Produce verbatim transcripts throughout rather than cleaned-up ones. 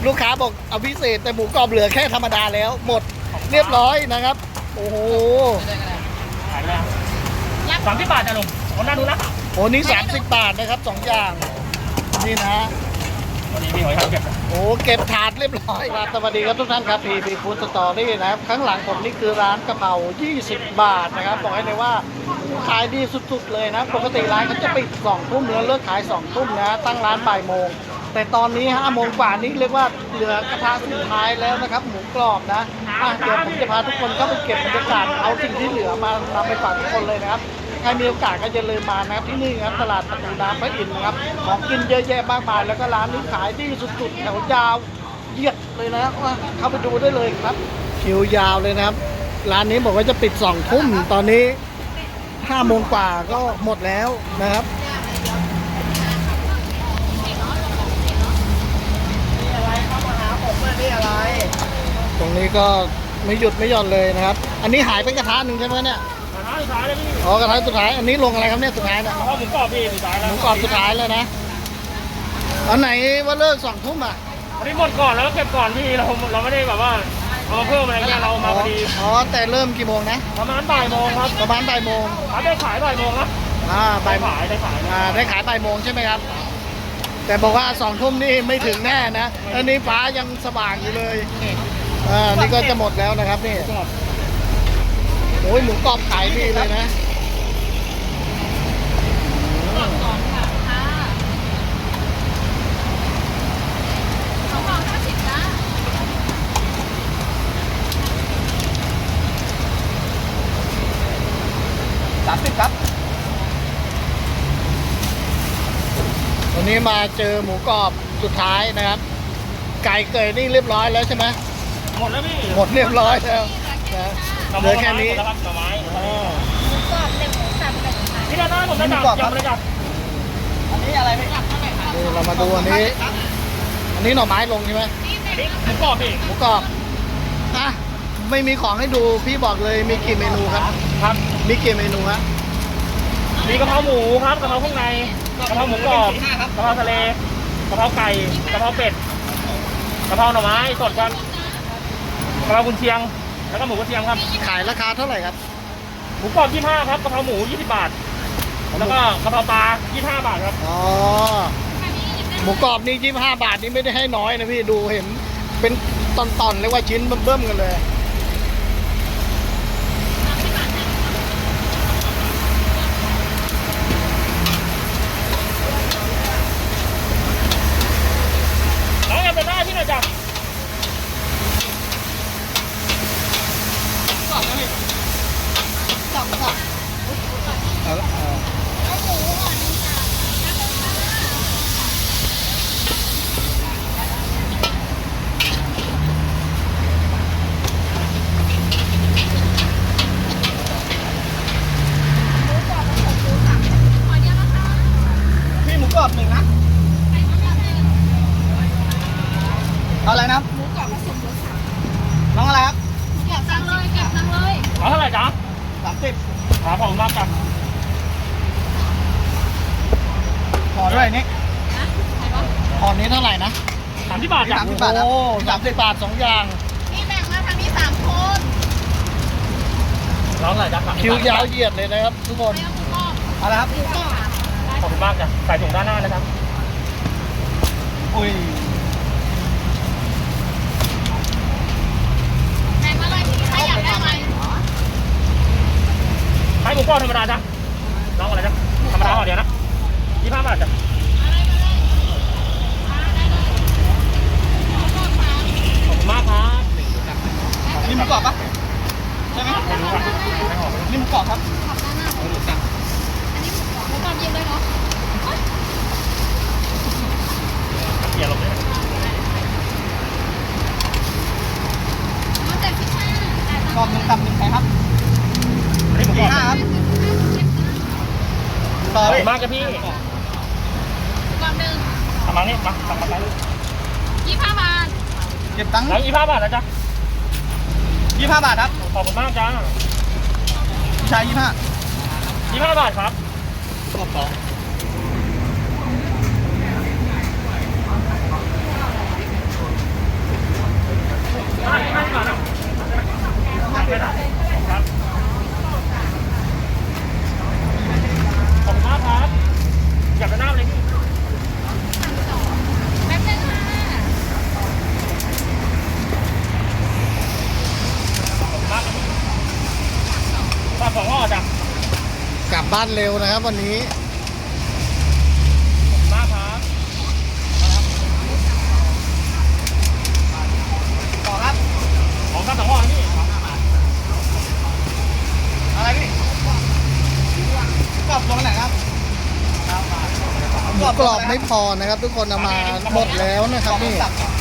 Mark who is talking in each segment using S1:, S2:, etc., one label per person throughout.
S1: ลูกค้าบอกเอาพิเศษแต่หมูกรอบเหลือแค่ธรรมดาแล้วหมดเรียบร้อยนะครับโอ้โห
S2: ขายแล้วสามสิบบาทจ้ะลุงคนน่าดูนะ
S1: โอ้นี่สามสิบบาทนะครับสองอย่างนี่นะ
S2: วันนี้มีหอยทากเก็บ
S1: โอ้เก็บถาดเรียบร้อยครับสวัสดีครับทุกท่านครับพีพีฟู้ดสตอรี่นะครับข้างหลังผมนี่คือร้านกะเพรายี่สิบบาทนะครับบอกให้เลยว่าขายดีสุดๆเลยนะปกติร้านเขาจะปิดสองทุ่มแล้วเลิกขายสองทุ่มนะตั้งร้านบ่ายโมงแต่ตอนนี้ห้าโมงกว่านี้เรียกว่าเหลือกระทะสุดท้ายแล้วนะครับหมูกรอบนะอ่ะเดี๋ยวผมจะพาทุกคนเข้าไปเก็บบรรยากาศเอาสิ่งที่เหลือมานำไปฝากทุกคนเลยนะครับใครมีโอกาสก็อย่าลืมมานะครับที่นี่ครับตลาดประตูน้ำพระอินทร์นะครับของกินเยอะแยะมากมายแล้วก็ร้านนี้ขายดีสุดๆแถวยาวเหยียดเลยนะว่าเข้าไปดูได้เลยครับคิวยาวเลยนะครับร้านนี้บอกว่าจะปิดสองทุ่มตอนนี้ห้าโมงกว่าก็หมดแล้วนะครับตรงนี้ก็ไม่หยุดไม่หย่อนเลยนะครับอันนี้หายเป็นกระทะหนึ่งใช่ไหมเนี่ย
S2: กระทะสุดท้ายเลยพี่
S1: อ๋อกระทะสุดท้ายอันนี้ลงอะไรครับเนี่ยสุดท้ายเนี่ย
S2: หมูกรอบพี่สุดท้ายแล้ว
S1: หมูกรอบสุดท้ายเลยนะอันไหนว่าเลิกสองทุ่มอ่ะ
S2: อันนี้หมดก่อนแล้วก็เก็บก่อนพี่เราเราไม่ได้แบบว่าเอามาเพิ่มอะไรเงี้ยเรามาพอดี
S1: อ๋อแต่เริ่มกี่โมงนะ
S2: ประมาณบ่ายโมงครับ
S1: ประมาณบ่ายโมง
S2: ขายได้ขายบ่ายโมงนะ
S1: อ่าบ่าย
S2: ขายได้ขาย
S1: อ่าได้ขายบ่ายโมงใช่ไหมครับแต่บอกว่าสองทุ่มนี่ไม่ถึงแน่นะอันนี้ฟ้ายังสว่างอยู่เลยอ่านี่ก็จะหมดแล้วนะครับนี่โอ้ยหมูกรอบขายดีเลยนะ
S3: ก่อนก่อนค่ะค่ะสองร้อยห้าสิบนะ
S1: สามสิบครับวันนี้มาเจอหมูกรอบสุดท้ายนะครับไก่เกยนี่เรียบร้อยแล้วใช่ไหม
S2: หมดแล้วพี่
S1: หมดเรียบร้อยแล้วเหลือแค่นี้
S2: แล้วครับหน่อไม้
S3: หมูกรอบเต็มหมูสับเป็น
S2: ที่ด้านหน้าผมได้จับจับเลยจับ
S1: อันนี้อะไรพี่เรามาดูอันนี้อันนี้หน่อไม้ลงใช่ไหม
S2: หมูกรอบพี่
S1: หมูกรอบอ่ะไม่มีของให้ดูพี่บอกเลยมีกี่เมนูครับ
S2: ครับ
S1: มีกี่เมนูฮะ
S2: มีกะเพราหมูครับกะเพราข้างในกะเพราหมูกรอบกะเพราทะเลกะเพราไก่กะเพราเป็ดกะเพราหน่อไม้สดครับกะเพรากุนเชียงแล้วก็หมูกุนเชียงครับ
S1: ขายราคาเท่าไหร่ครับ
S2: หมูกรอบยี่สิบห้าครับกะเพราหมูยี่สิบบาทแล้วก็กะเพราปลายี่สิบห้าบาทครับ
S1: อ๋อหมูกรอบนี่ยี่สิบห้าบาทนี่ไม่ได้ให้น้อยนะพี่ดูเห็นเป็นตอนๆเรียกว่าชิ้นเบิ่มๆกันเลย
S2: น้องแอมจะได้ที่ไหนจับ
S1: กรอบนะพี่กรอบกรอบเอาละพี่หมูกรอบหนึ่งนะเอาอะไรนะ
S3: หมูกรอบผสมรสสาม
S1: น้องอะไรครับ
S3: เก็บตังเลยเก็บตังเลย
S2: เอาเท่าไหร่จ๊ะ
S1: สามสิบ
S2: หาของมากจัง
S1: ขอด้วยนี่ขอนี้เท่าไหร่นะ
S2: สามสิบบาทจ้ะ
S1: สามสิบบาทโอ้สามสิบบาทสองอย่าง
S3: นี่แบ่งมาทางนี้สามคน
S2: ร้องอะไรจ๊ะ
S1: คิวยาวเหยียดเลยนะครับทุกคนเอาละครับ
S2: ขอบคุณมากจ้ะใส่ถุงด้านหน้านะครับ
S1: อุ้ย
S3: แบ่งมาเลยใครอยากได้ไหม
S2: ให้หมูกรอบธรรมดาจ้ะน้องอะไรจ๊ะธรรมดาห่อเดียวนะยี่สิบห้าบาทจ้ะขอบคุณมากครับ
S1: นี่หมูกรอบปะใช่ไหมนี่หมูกรอบครับ
S3: ขับด้านหน้าอันนี้หมูกรอบหมูกรอบเย็นเลยเนาะ
S2: เกี่ยวลงเลย
S3: มันเจ็ดสิบห้าก
S1: รอบหนึ่งตับหนึ่งใครครับ
S2: อันนี้หมูกรอบ
S1: ครับ
S2: ขอบคุณมากจ้ะพี่
S3: กรอบหนึ่ง
S2: ทำมานี่มาสั่งมาไป
S3: ยี่สิบห้าบาท
S1: เก็บตังค์
S2: แล้วยี่สิบห้าบาทนะจ๊ะ
S1: ยี่สิบห้าบาทครับ
S2: ขอบคุณมากจ้า
S1: ชายยี่สิบห้า
S2: ยี่สิบห้าบาทครับ
S1: กรอบสอง
S2: ได้ได้ก่อนนะไม่ได้ครับขอบคุณมากครับอยากจะหน้าเลยพี่
S3: แป๊บนึงค่ะ
S2: มากปลาสองห่อจ้ะ
S1: กลับบ้านเร็วนะครับวันนี้
S2: มากครับ
S4: ต่อครับ
S2: ของข้าวสองห่อนี่
S4: อะไรพี่กรอบลงไหนครับ
S1: หมูกรอบไม่พอนะครับ ทุกคนเอามาหมดแล้วนะครับนี่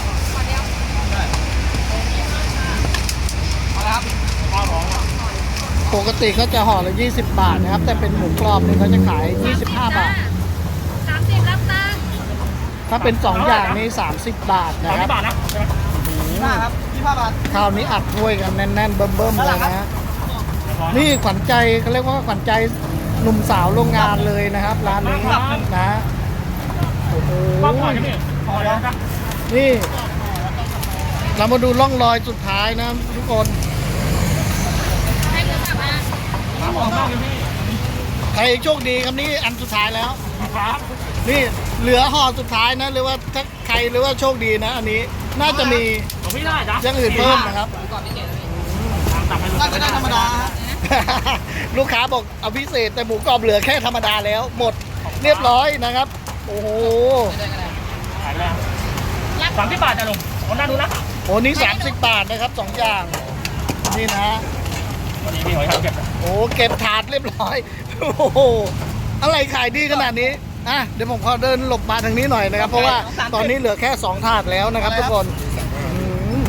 S4: เอาละครับ
S2: ข้าวสองห่อ
S1: ปกติเขาจะห่อละยี่สิบบาทนะครับ แต่เป็นหมูกรอบนี่เขาจะขายยี่สิบห้าบาท
S3: สามสิบรับตังค์
S1: ถ้าเป็นสองอย่างนี่สามสิบบาท
S2: สา
S1: นะ
S2: ม
S1: ค
S2: สิ
S1: รับ
S2: บบาทนะใช่ไหม
S4: ยี่ห้าครับยี่ห้าบาท
S1: คราวนี้อัดถ้วยกันแน่นๆเบิ่มๆเลยนะฮะนี่ขวัญใจเขาเรียกว่าขวัญใจหนุ่มสาวโรงงานเลยนะครับร้านนี้นะโอ้โห
S2: ข้าวห่อจะพี่ห่อเดียวจ้ะ
S1: นี่ เรามาดูร่องรอยสุดท้ายนะทุกคน
S3: ให้มือสับมา
S2: ข้าวห่อข้าวจะพี่
S1: ใครโชคดีครับนี่อันสุดท้ายแล้ว
S2: ครับ
S1: นี่เหลือห่อสุดท้ายนะหรือว่าถ้าใครหรือว่าโชคดีนะ อันนี้น่าจะมี
S2: ของพี่ได้จ้ะ
S1: อย่างอื่นเพิ่มนะครับ
S2: ตักให้
S4: ได้ก็ได้ธรรมดาฮะ
S1: ลูกค้าบอกเอาพิเศษแต่หมูกรอบเหลือแค่ธรรมดาแล้ว หมดเรียบร้อยนะครับ โอ้โห
S2: ขายแล้วสามสิบบาทจ้ะลุงคนน่าดูนะ
S1: โอ้นี่สามสิบบาทนะครับสองอย่างนี่นะ
S2: วันนี้พี่หอยทากเก็บ
S1: โอ้เก็บถาดเรียบร้อยโอ้โหอะไรขายดีขนาดนี้อ่ะเดี๋ยวผมขอเดินหลบมาทางนี้หน่อยนะครับ เพราะว่าตอนนี้เหลือแค่สองถาดแล้วนะครับทุกคนอืม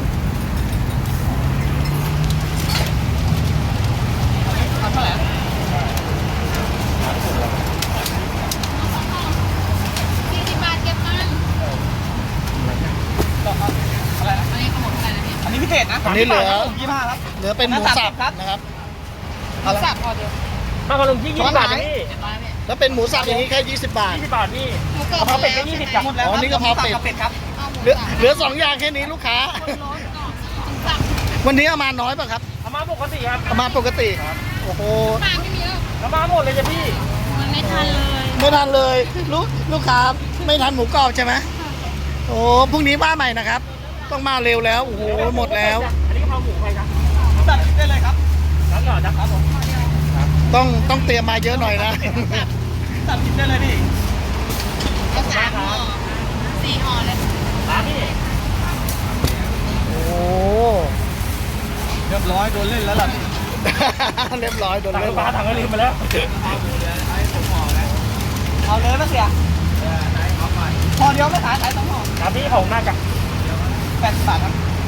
S4: ทำเท่าไหร่
S3: สี่สิบบาทเก็บตังค์
S4: อะไรนะ
S3: อันนี้ขนมอะไรนะพี่
S4: อันนี้พิเศษนะ
S1: อันนี้เหลือ
S4: ยี่ห้าครับ
S1: เหลือเป็นหมูสับนะครับ
S3: หมูสับพอเดียว
S2: ข้าวกระลุงที่ยี่สิบบาทจ้ะพี่
S3: เจ็ดร้อยพี่
S1: แล้วเป็นหมูสับอย่างนี้แค่ยี่สิบบาท
S2: ยี่สิบบาทพี่
S3: หมูกร
S2: ก
S3: อบ
S2: ระเพราเป็ดก็ยี่สิบจ้ะ
S4: หมดแล้ว
S1: อ๋อนี่กะเพราเป็ด
S4: เป็ดครับ
S3: เอาหมู
S1: เหลือ
S3: สับ
S1: เหลือสองอย่างแค่นี้ลูกค้า
S3: คนร้อนก่อนหมูสับ
S1: วันนี้เอามาน้อยป่ะครับ
S2: เอามาปกติครับ
S1: เอามาปกติโอ้โห
S3: ปลาไม่มีแล้ว
S2: เอามาหมดเลยจ้ะพี่
S3: มันไม่ทันเลย
S1: ไม่ทันเลยลูกลูกค้าไม่ทันหมูกรอบใช่ไหมโอ้พรุ่งนี้มาใหม่นะครับ ต้องมาเร็วแล้วโอ้โหหมดแล้ว
S2: อันนี้กะเพราหมูใครครับ
S4: ตัดได้เลยครับ
S2: รับก่อนจ้ะครับผม
S1: ต้องต้องเตรียมมาเยอะหน่อยนะ
S4: ตัดกินได้เลยพี่
S3: เอาสามห่อสี่ห่อเลย
S2: ร้านพี่
S1: โอ้โห
S4: เรียบร้อยโดนเล่นแล้วล่ะพี่
S1: เรียบร้อยโดน
S2: สั่ง
S1: เล่น
S2: ปลาถังก็ลืมไปแล้ว
S4: เอาเลยนะเสียห่อเดียวไม่ขายขายสองห่อ
S2: ร้านพี่ของน่าจะ
S4: แปดสิบบาทครับ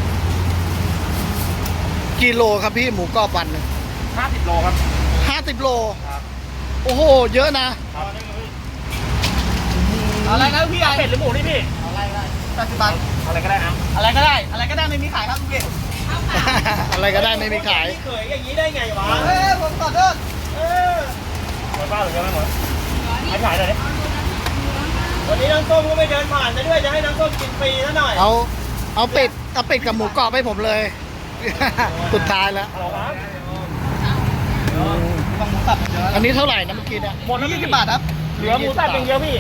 S1: กิโลครับพี่หมูกรอบวันหนึ่ง
S2: ห้าสิบโลครับ
S1: ห้าสิบโลโอ้โหเยอะนะ
S4: เอาอะไรนะพี่ใหญ่
S2: เป็ดหรือหมูนี่พี่
S4: เอาอะไรก็ได้แปดสิบบาท
S2: อะไรก็ได้นะ
S4: อะไรก็ได้ อะไรก็ได้ไม่มีขายครับพี่
S1: อะไรก็ได้ไม่มีขาย
S2: เขยอย่างนี้ได้ไงวะ
S4: เฮ้ยผมขอโทษ
S2: เออไม่บ้าหรือยังไม่หมดให้ขายเลยดิวันนี้น้ำส้มก็ไม่เดินผ่านจะด้วยจะให้น้ำส้มกินฟรีซะหน่อย
S1: เอาเอาเป็ดเอาเป็ดกับหมูกรอบให้ผมเลย สุดท้ายแล้ว
S2: ฮัลโหลครับ
S4: ต้องหมูสับเยอะ
S1: อันนี้เท่าไหร่นะเมื่อกี้เนี่ย
S2: หมดแล้ว
S4: ยี่
S2: พี่
S4: สิบบาทครับ
S2: เหลือหมูสับอย่างเดียวพี่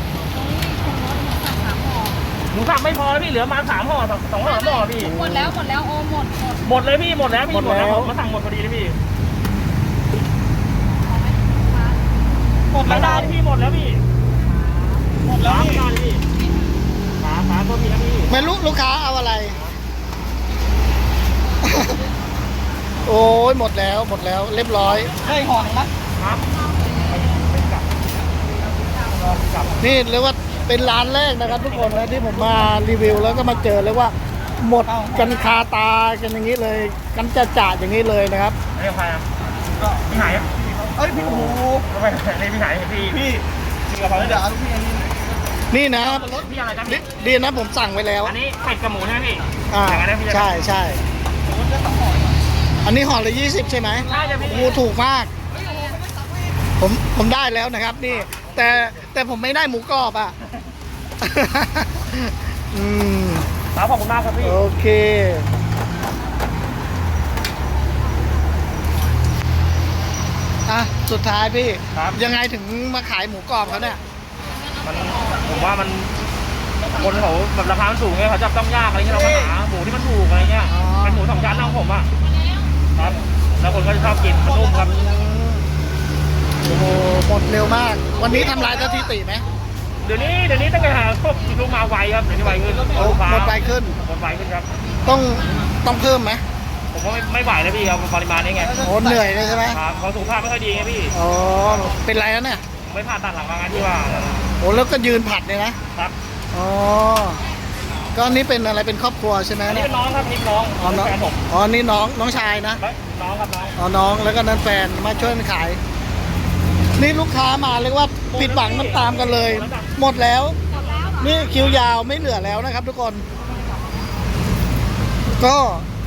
S2: หมูสับไม่พอแล้วพี่เหลือมาสามห่อสองสองห่อสามห่อพี่
S3: หมดแล้วหมดแล้วโอ้หมดหมด
S2: หมดเลยพี่หมดแล้วพี่หมดแล้วผมมาสั่งหมดพอดีเลยพี่
S4: หมด
S2: แล้
S4: แล้ว ว
S2: ได้
S4: ได้
S2: พี่หมดแล้วพี่
S4: หมดแล้ว
S2: ร้าน
S4: พี่
S2: ไม่ได้เลยพี่ขาขาตัวพี่นะพี่
S1: ไม่รู้ลูกค้าเอาอะไร โอ้ยหมดแล้วหมดแล้วเรียบร้อย
S4: ได้ห่อหนึ่งนะ
S2: ครับไม่กลับกลับ
S1: นี่เรียกว่าเป็นร้านแรกนะครับ ทุกคนนะที่ผมมารีวิวแล้วก็มาเจอเลยว่า หมดกันคาตากันอย่างนี้เลย กันจะจ่าอย่างนี้เลยนะครับ
S2: อันนี้ใครอ่ะ
S4: ก็
S2: พี่ไหนอ่ะ
S4: เอ้ยพี่โอ้โห
S2: ไม่ไม่นี่พี่ไหนพี่
S4: พี่
S2: พี่กระเพรา
S4: เดี๋ยวเอาลูกพี่อันนี้
S1: นี่นะครับ
S2: พี่อะไรนะ
S1: ดี
S2: พี่
S1: ดีนะผมสั่งไว้แล้ว
S2: อันนี้เป็ดกับหมูใช่ไหมพี่
S1: อ่า
S2: อย่างนั้นนะพี่
S1: ใช่ใช่
S4: โอ้โหจะสองห่อ
S1: อันนี้ห่อละยี่สิบใช่ไหม
S2: ใช่จ้ะพี่
S1: โอ้ถูกมาก ผมผมได้แล้วนะครับ นี่ แต่แต่ผมไม่ได้หมูกรอบอ่ะ อืม
S2: ครับขอบคุณมากครับพี่
S1: โอเคสุดท้ายพี่
S2: ครับ
S1: ยังไงถึงมาขายหมูกรอบเขาเนี่ย
S2: มันผมว่ามันคนเขาแบบราคามันสูงไงเขาจับต้องยากอะไรเงี้ยเรามาหาหมูที่มันถูกอะไรเงี้ย
S1: อ๋อ
S2: เป็นหมูสองชั้นของผมอ่ะครับ แล้วคนก็จะชอบกินมันนุ่มครับ
S1: โอ้โหหมดเร็วมาก วันนี้ทำลายสถิติไหม
S2: เดี๋ยวนี้เดี๋ยวนี้ตั้งแต่หาพวกลูกมาไวครับเดี๋ยวนี้ไวขึ้น
S1: โอ้
S2: ลูกค้า
S1: หมดไวขึ้น
S2: หมดไวขึ้นครับ
S1: ต้องต้องเพิ่มไหม
S2: ผมว่าไม่ไม่ไหวแล้วพี่ครับปริมาณนี้ไง
S1: โอ้เหนื่อยเลยใช่ไหม
S2: ครับเขาสุขภาพไม่ค่อยดีไงพี่
S1: อ๋อเป็นไรแล้วเนี่ย
S2: ไม่ผ่าตัดหลังมางานที่ว่า
S1: โอ้แล้วก็ยืนผัดเลยนะครับ อ๋อก็นี่เป็นอะไรเป็นครอบครัวใช่ไหม
S2: อันนี้
S1: เนี่ย
S2: เป็นน้องครับนี่น้อง
S1: อ๋อน้อง
S2: แฟนผม
S1: อ๋อนี่น้องน้องชายนะ
S2: น้องครับน้อง
S1: อ๋อน้องแล้วก็นั่นแฟนมาช่วยกันขาย นี่ลูกค้ามาเรียกว่าผิดหวังน้ำตามกันเลย หมดแล้ว นี่คิวยาวไม่เหลือแล้วนะครับ ทุกคน ก็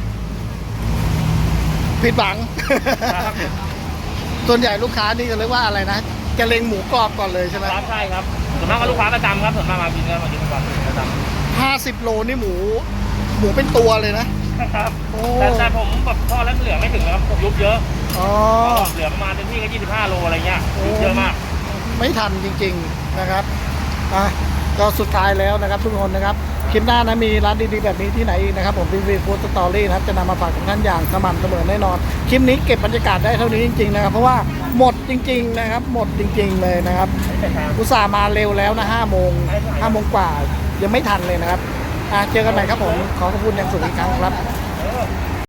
S1: ผิดหวัง
S2: ครับ
S1: ส่วนใหญ่ลูกค้านี่จะเรียกว่าอะไรนะจะเล็งหมูกรอบก่อนเลยใช่ไหม
S2: ครับใช่ครับส่วนมากก็ลูกค้าประจำครับส่วนมากมากินกันมากินกันประจำ
S1: ห้าสิบโลนี่หมู หมูเป็นตัวเลยนะ
S2: ครับ
S1: โอ้
S2: แต่แต่ผมแบบทอดแล้วเหลือไม่ถึงนะครับผมยุบเยอะ
S1: อ๋อ
S2: เหลือประมาณเต็มที่ก็ยี่สิบห้าโลอะไรเงี้ยยุบเยอะมาก
S1: ไม่ทันจริงๆนะครับอ่ะก็สุดท้ายแล้วนะครับทุกคนนะครับคลิปหน้านะมีร้านดีๆแบบนี้ที่ไหนอีกนะครับผมพีวีฟู้ดสตอรี่นะครับจะนำมาฝากทุกท่านอย่างสม่ำเสมอแน่นอนคลิปนี้เก็บบรรยากาศได้เท่านี้จริงๆนะครับเพราะว่าหมดจริง ๆนะครับ หมดจริง ๆเลยนะครับอุตส่าห์มาเร็วแล้วนะห้าโมงห้าโมงกว่ายังไม่ทันเลยนะครับอ่ะเจอกันใหม่ครับผมขอขอบคุณอย่างสูงอีกครั้งครับ